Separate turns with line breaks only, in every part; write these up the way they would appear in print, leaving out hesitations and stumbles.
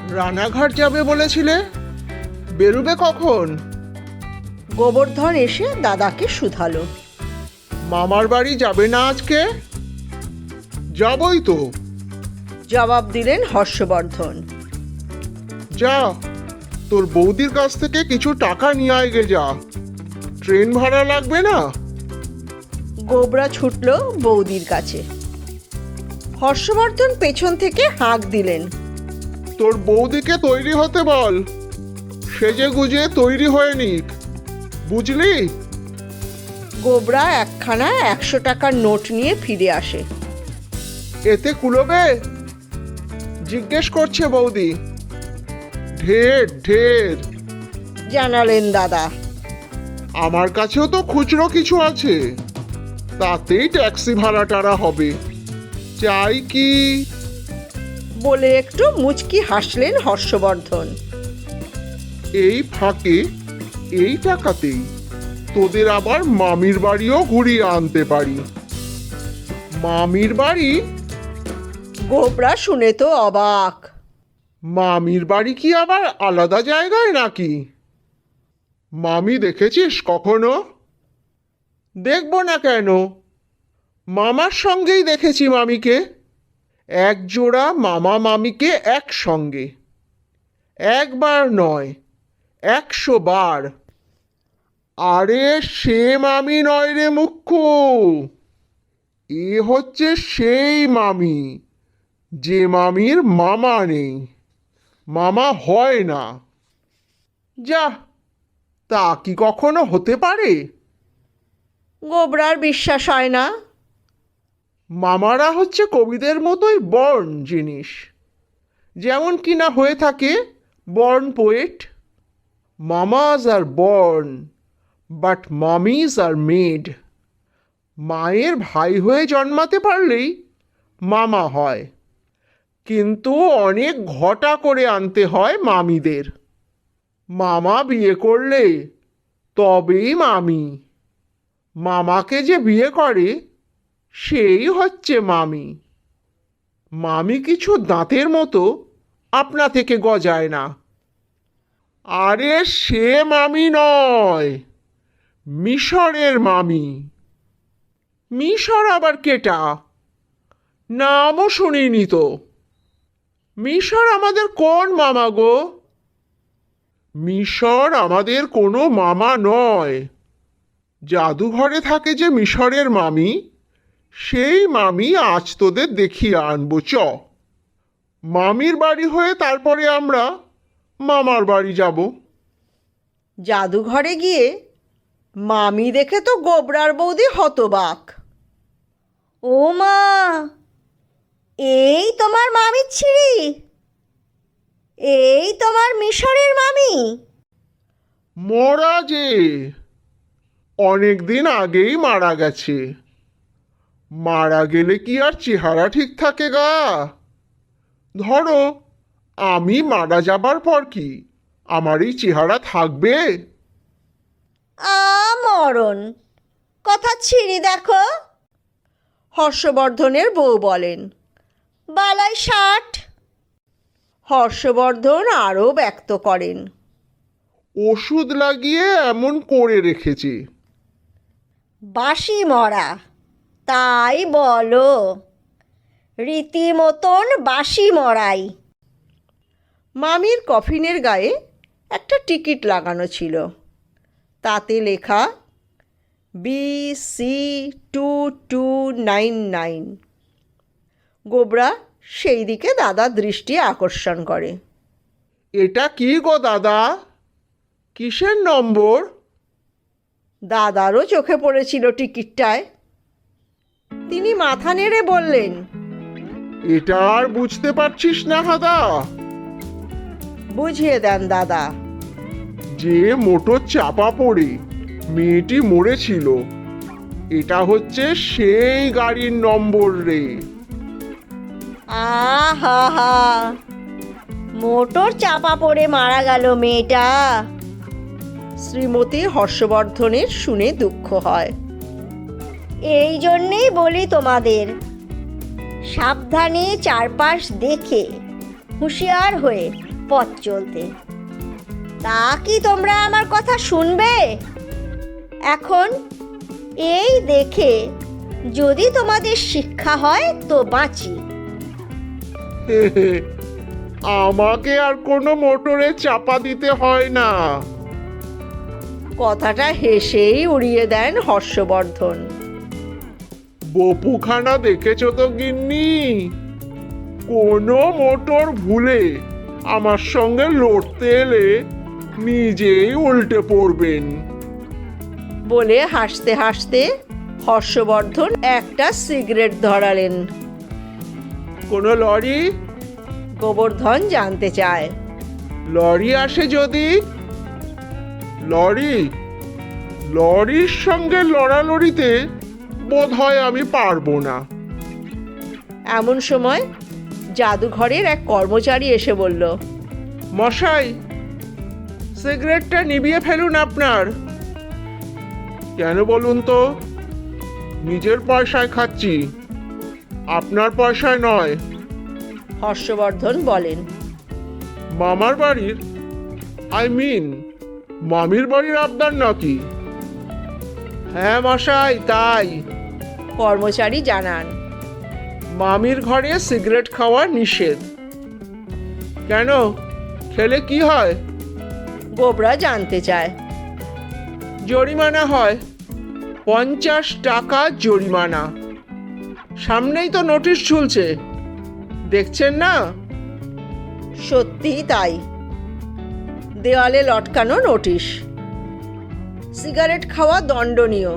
রানাঘাট যাবে বলেছিলে, বেরোবে কখন?
গোবর্ধন এসে দাদাকে শুধালো।
মামার বাড়ি যাবে না আজকে? যাবই তো।
জবাব দিলেন হর্ষবর্ধন।
যা, তোর বৌদির কাছ থেকে কিছু টাকা নিয়ে আয় গে যা, ট্রেন ভাড়া লাগবে না।
গোবরা ছুটল বৌদির কাছে। হর্ষবর্ধন পেছন থেকে হাঁক দিলেন।
তোর বৌদিকে তৈরি হতে বল, সেজে গুজে তৈরি হয়ে নিক, বুঝলি?
গোবরা একখানা 100 টাকার নোট নিয়ে ফিরে আসে।
এতে কুলোবে? জিজ্ঞেস করছে বৌদি। ঢের ঢের,
জানালেন দাদা।
আমার কাছেও তো খুচরো কিছু আছে, তাতেই ট্যাক্সি ভাড়া টাড়া হবে। চাই কি?
বলে একটু মুচকি হাসলেন হর্ষবর্ধন।
এই ফাঁকে এই টাকাতেই তোদের আবার মামির বাড়িও ঘুরিয়ে আনতে পারি। মামির বাড়ি?
গোবরা শুনে তো অবাক।
মামির বাড়ি কি আবার আলাদা জায়গায় নাকি? মামি দেখেছিস কখনো? দেখবো না কেন, মামার সঙ্গেই দেখেছি মামিকে। এক জোড়া মামা মামিকে একসঙ্গে, একবার নয় 100 বার। আরে সে মামি নয় রে মুখ্যু, এ হচ্ছে সেই মামি যে মামির মামা নেই, মামা হয় না। যা, তা কি কখনো হতে পারে?
গোবরার বিশ্বাস হয় না।
মামারা হচ্ছে কবিদের মতোই বর্ন জিনিস, যেমন কিনা হয়ে থাকে born poet. Mamas are born, but mamis are made. মায়ের ভাই হয়ে জন্মাতে পারলেই মামা হয়, কিন্তু অনেক ঘটা করে আনতে হয় মামিদের। মামা বিয়ে করলে তবেই মামি, মামাকে যে বিয়ে করে সেই হচ্ছে মামি। মামি কিছু দাঁতের মতো আপনা থেকে গজায় না। আরে সে মামি নয়, মিশরের মামি। মিশর আবার কেটা? নামও শুনিনি তো। মিশর আমাদের কোন মামা গো? মিশর আমাদের কোনো মামা নয়। জাদুঘরে থাকে যে মিশরের মামি, সেই মামি আজ তোদের দেখিয়ে আনবো চ। মামির বাড়ি হয়ে তারপরে আমরা মামার বাড়ি যাব।
জাদুঘরে গিয়ে মামি দেখে তো গোবরার বৌদি হতবাক। ও মা, এই তোমার মামির ছিঁড়ি? এই তোমার মিশরের মামি?
মরা যে, অনেক দিন আগেই মারা গেছে। মারা গেলে কি আর চেহারা ঠিক থাকে গা? ধরো আমি মারা যাবার পর কি আমার এই চেহারা থাকবে?
মরণ কথা ছিঁড়ি দেখো। হর্ষবর্ধনের বউ বলেন। বালাই 60। হর্ষবর্ধন আরও ব্যক্ত করেন।
ওষুধ লাগিয়ে এমন করে রেখেছে।
বাসি মরা, তাই বলো, রীতিমতন বাসি মরাই। মামির কফিনের গায়ে একটা টিকিট লাগানো ছিল, তাতে লেখা BC2299। গোবরা সেই দিকে দাদার দৃষ্টি আকর্ষণ করে।
এটা কি গো দাদা, কিসের নম্বর?
দাদারও চোখে পড়েছিল টিকিটটায়। তিনি মাথা নেড়ে বললেন,
এটা আর বুঝতে পারছিস না হাদা?
বুঝিয়ে দেন দাদা।
যে মোটর চাপা পড়ে মেয়েটি মরেছিল, এটা হচ্ছে সেই গাড়ির নম্বর রে।
আহা হা, মোটর চাপা পড়ে মারা গেল মেয়েটা। শ্রীমতী হর্ষবর্ধনের শুনে দুঃখ হয়। এই জন্যেই বলি তোমাদের, সাবধানে চারপাশ দেখে হুঁশিয়ার হয়ে পথ চলতে। তা কি তোমরা আমার কথা শুনবে? এখন এই দেখে যদি তোমাদের শিক্ষা হয় তো বাঁচি।
আমাকে আর কোনো মোটরে চাপা দিতে হয় না।
কথাটা হেসেই উড়িয়ে দেন হর্ষবর্ধন।
বপুখানা দেখেছো তো গিন্নি? কোনো মোটর ভুলে আমার সঙ্গে লড়তে এলে নিজেই উল্টে পড়বেন।
বলে হাসতে হাসতে হর্ষবর্ধন একটা সিগারেট ধরালেন।
কোনো লরি?
গোবর্ধন জানতে চায়।
লরি আসে যদি? লরি? লরির সঙ্গে লড়ালড়িতে বোধ হয় আমি পারবো না।
এমন সময় জাদুঘরের এক কর্মচারী এসে বলল,
মশাই, সিগারেটটা নিভিয়ে ফেলুন আপনার। কেন বলুন তো? নিজের পয়সায় খাচ্ছি, আপনার পয়সায় নয়।
হর্ষবর্ধন বলেন।
মামার বাড়ির, মামির বাড়ির আবদার নাকি? হ্যাঁ মশাই, তাই।
কর্মচারী জানান।
মামির ঘরে সিগারেট খাওয়া নিষেধ। কেন, খেলে কি হয়?
গোবরা জানতে চায়।
জরিমানা হয়, 50 টাকা জরিমানা। সামনেই তো নোটিশ ঝুলছে, দেখছেন না?
সত্যিই তাই। দেওয়ালে লটকানো নোটিশ। সিগারেট খাওয়া দণ্ডনীয়।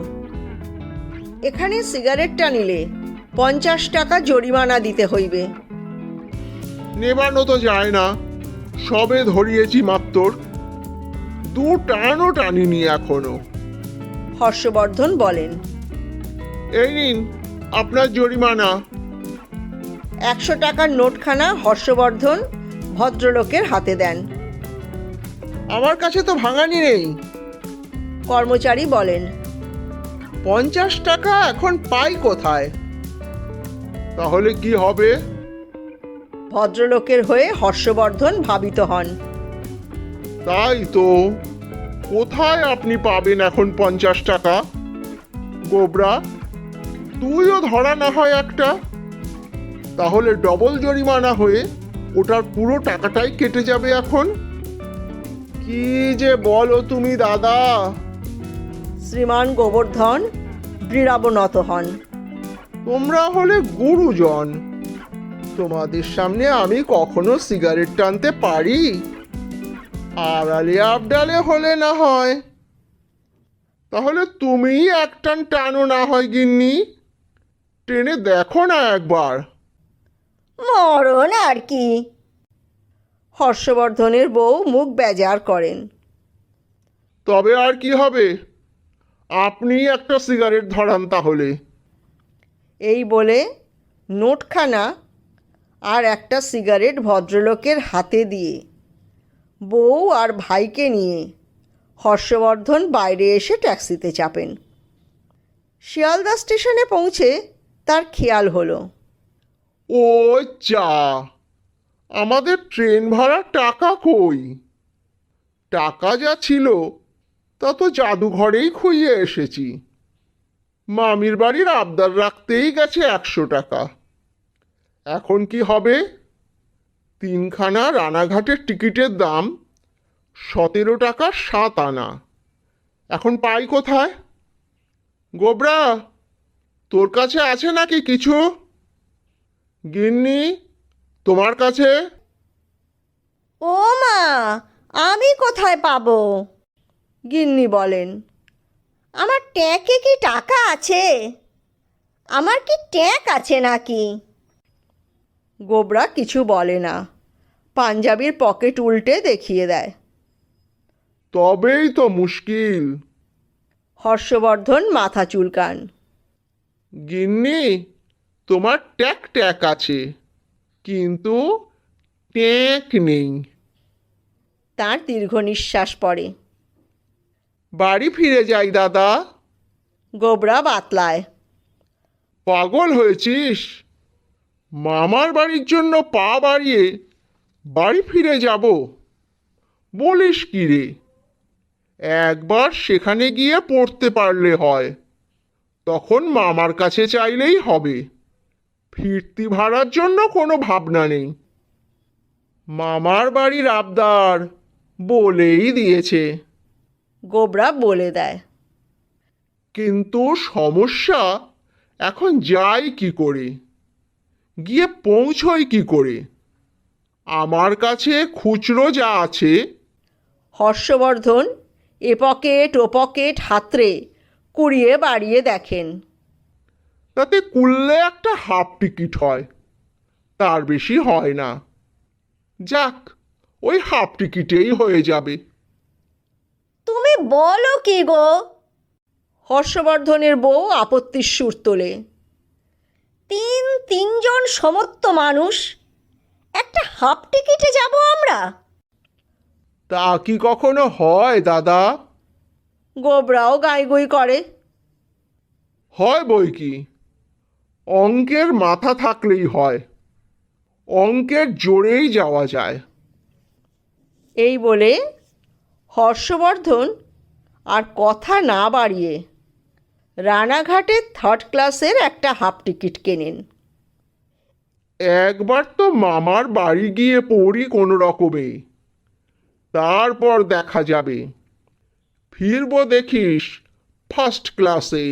এখানে সিগারেটটা নিলে 50 টাকা জরিমানা দিতে হইবে।
নেবানো তো যায় না, সবে ধরিয়েছি মাত্র, 2 টানও টানিনি এখনো।
হর্ষবর্ধন বলেন।
এই নিন আপনার জরিমানা।
100 টাকার নোটখানা হর্ষবর্ধন ভদ্রলোকের হাতে দেন।
আমার কাছে তো ভাঙানি নেই।
কর্মচারী বলেন।
50 টাকা এখন পাই কোথায়? তাহলে কি হবে?
ভদ্রলোকের হয়ে হর্ষবর্ধন ভাবিত হন।
তাই তো, কোথায় আপনি পাবেন এখন 50 টাকা? গোবরা, তুইও ধরা না হয় একটা, তাহলে ডবল জরিমানা হয়ে ওটার পুরো টাকাটাই কেটে যাবে এখন। কি যে বলো তুমি দাদা!
শ্রীমান গোবর্ধন দৃঢ়াবনত হন।
তোমরা হলে গুরুজন, তোমাদের সামনে আমি কখনো সিগারেট টানতে পারি? আড়ালে আবডালে হলে না হয়। তাহলে তুমিই এক টান টানো না হয় গিন্নি, টেনে দেখো না একবার।
মরণ আর কি। হর্ষবর্ধনের বউ মুখ বেজার করেন।
তবে আর কি হবে, আপনি একটা সিগারেট ধরান তাহলে।
এই বলে নোটখানা আর একটা সিগারেট ভদ্রলোকের হাতে দিয়ে বউ আর ভাইকে নিয়ে হর্ষবর্ধন বাইরে এসে ট্যাক্সিতে চাপেন। শিয়ালদা স্টেশনে পৌঁছে তার খেয়াল হলো,
ও চা, আমাদের ট্রেন ভাড়ার টাকা কই? টাকা যা ছিল তা তো জাদুঘরেই খুইয়ে এসেছি। মামির বাড়ির আবদার রাখতেই গেছে 100 টাকা। এখন কি হবে? 3খানা রানাঘাটের টিকিটের দাম 17 টাকা 7 আনা। এখন পাই কোথায়? গোবরা, তোর কাছে আছে নাকি কিছু? গিন্নি, তোমার কাছে?
ও মা, আমি কোথায় পাবো? গিন্নি বলেন। আমার ট্যাঁকে কি টাকা আছে? আমার কি ট্যাঁক আছে নাকি? গোবরা কিছু বলে না, পাঞ্জাবির পকেট উল্টে দেখিয়ে দেয়।
তবেই তো মুশকিল।
হর্ষবর্ধন মাথা চুলকান।
গিন্নি, তোমার ট্যাক ট্যাক আছে, কিন্তু ট্যাঁক নেই।
তার দীর্ঘ নিঃশ্বাস পড়ে।
বাড়ি ফিরে যাই দাদা।
গোবরা বাতলায়।
পাগল হয়েছিস? মামার বাড়ির জন্য পা বাড়িয়ে বাড়ি ফিরে যাব? বলিস কি রে? একবার সেখানে গিয়ে পড়তে পারলে হয়, তখন মামার কাছে চাইলেই হবে। ফিরতি ভাড়ার জন্য কোনো ভাবনা নেই। মামার বাড়ির আবদার বলেই দিয়েছে।
গোবরা বলে দেয়।
কিন্তু সমস্যা, এখন যাই কি করে, গিয়ে পৌঁছই কি করে? আমার কাছে খুচরো যা আছে।
হর্ষবর্ধন এ পকেট ও পকেট হাতড়ে কুড়িয়ে বাড়িয়ে দেখেন।
তাতে কুললে একটা হাফ টিকিট হয়, তার বেশি হয় না। যাক, ওই হাফ টিকিটেই হয়ে যাবে।
তুমি বলো কি গো? হর্ষবর্ধনের বউ আপত্তির সুর তোলে। তিনজন সমস্ত মানুষ, একটা হাফ টিকিটে যাব আমরা?
তা কি কখনো হয় দাদা?
গোবরাও গাইগুই করে।
হয় বই কি, অঙ্কের মাথা থাকলেই হয়, অঙ্কের জোরেই যাওয়া যায়।
এই বলে হর্ষবর্ধন আর কথা না বাড়িয়ে রানাঘাটে থার্ড ক্লাসের একটা হাফ টিকিট কেনেন।
একবার তো মামার বাড়ি গিয়ে পড়ি কোনো রকমে, তারপর দেখা যাবে। ফিরবো দেখিস ফার্স্ট ক্লাসে।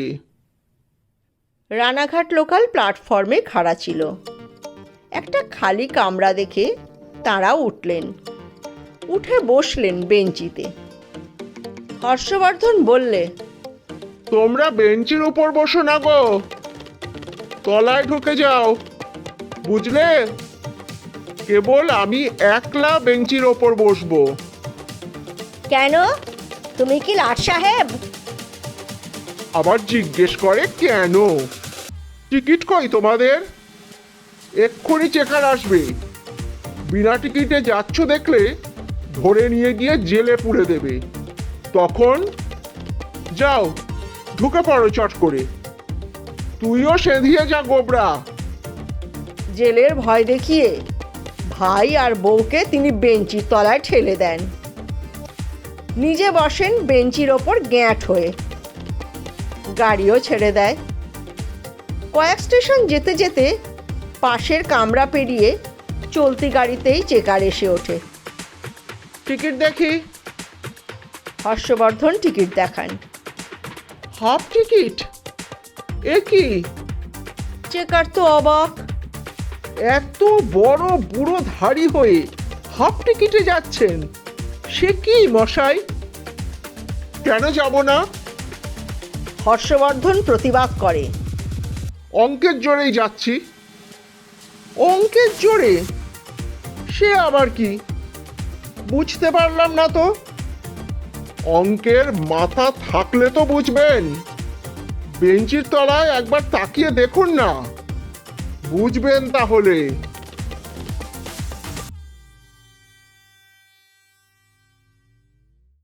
রানাঘাট লোকাল প্ল্যাটফর্মে খাড়া ছিল। একটা খালি কামরা দেখে তাঁরা উঠলেন, উঠে বসলেন বেঞ্চিতে। হর্ষবর্ধন বললে,
তোমরা বেঞ্চের উপর বসো না গো, তলায় ঢুকে যাও, বুঝলে? কেবল আমি একলা বেঞ্চির ওপর বসবো।
কেন, তুমি কি লাট সাহেব?
আবার জিজ্ঞেস করে কেন? টিকিট কই তোমাদের? এক্ষুনি চেকার আসবে। বিনা টিকিটে যাচ্ছ দেখলে ধরে নিয়ে গিয়ে জেলে পুরে দেবে। তখন যাও, ঢুকে পড়ো চট করে। তুইও সেঁধিয়ে যা গোবরা।
জেলের ভয় দেখিয়ে ভাই আর বউকে তিনি বেঞ্চির তলায় ঠেলে দেন। নিজে বসেন বেঞ্চির ওপর গ্যাঁট হয়ে। গাড়িও ছেড়ে দেয়। কয়েক স্টেশন যেতে যেতে পাশের কামরা পেরিয়ে চলতি গাড়িতেই চেকার এসে ওঠে।
টিকিট দেখি।
হর্ষবর্ধন টিকিট দেখান।
Half ticket? এ কি?
চেকার তো অবাক।
এত বড় বুড়ো ধাড়ি হয়ে হাফ টিকিটে যাচ্ছেন, সে কি মশাই? কেন যাব না?
হর্ষবর্ধন প্রতিবাদ করে।
অঙ্কের জোরেই যাচ্ছি। অঙ্কের জোরে? সে আবার কি? বুঝতে পারলাম না তো। অঙ্কের মাথা থাকলে তো বুঝবেন। বেঞ্চির তলায় একবার তাকিয়ে দেখুন না, বুঝবেন তাহলে।